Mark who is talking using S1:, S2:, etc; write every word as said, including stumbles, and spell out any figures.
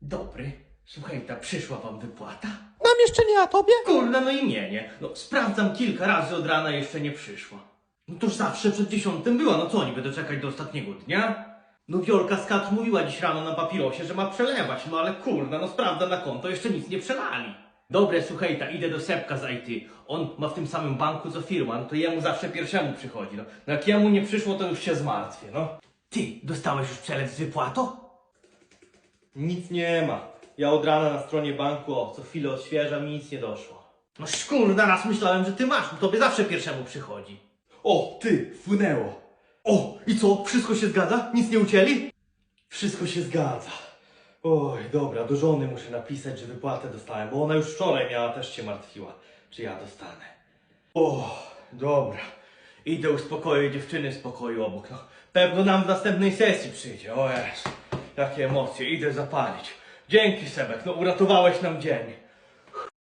S1: Dobry. Słuchaj, ta przyszła wam wypłata?
S2: Nam jeszcze nie, a tobie?
S1: Kurna, no i mnie, nie? No sprawdzam kilka razy od rana, jeszcze nie przyszła. No toż zawsze przed dziesiątym była, no co oni będą czekać do ostatniego dnia? No Wiolka z Kat mówiła dziś rano na papirosie, że ma przelewać, no ale kurna, no sprawdza na konto, jeszcze nic nie przelali. Dobre, słuchaj, ta idę do Sepka z I T. On ma w tym samym banku co firma, no to jemu zawsze pierwszemu przychodzi, no. No jak jemu nie przyszło, to już się zmartwię, no. Ty, dostałeś już przelew z wypłatą? Nic nie ma. Ja od rana na stronie banku, o, co chwilę odświeżam i nic nie doszło. No szkurna, raz myślałem, że ty masz, no tobie zawsze pierwszemu przychodzi. O, ty, wpłynęło. O, i co, wszystko się zgadza? Nic nie ucięli? Wszystko się zgadza. Oj, dobra, do żony muszę napisać, że wypłatę dostałem, bo ona już wczoraj miała, też się martwiła, czy ja dostanę. O, dobra. Idę uspokoić dziewczyny z pokoju obok, no. Pewno nam w następnej sesji przyjdzie, o Jezu. Jakie emocje, idę zapalić. Dzięki Sebek, no uratowałeś nam dzień.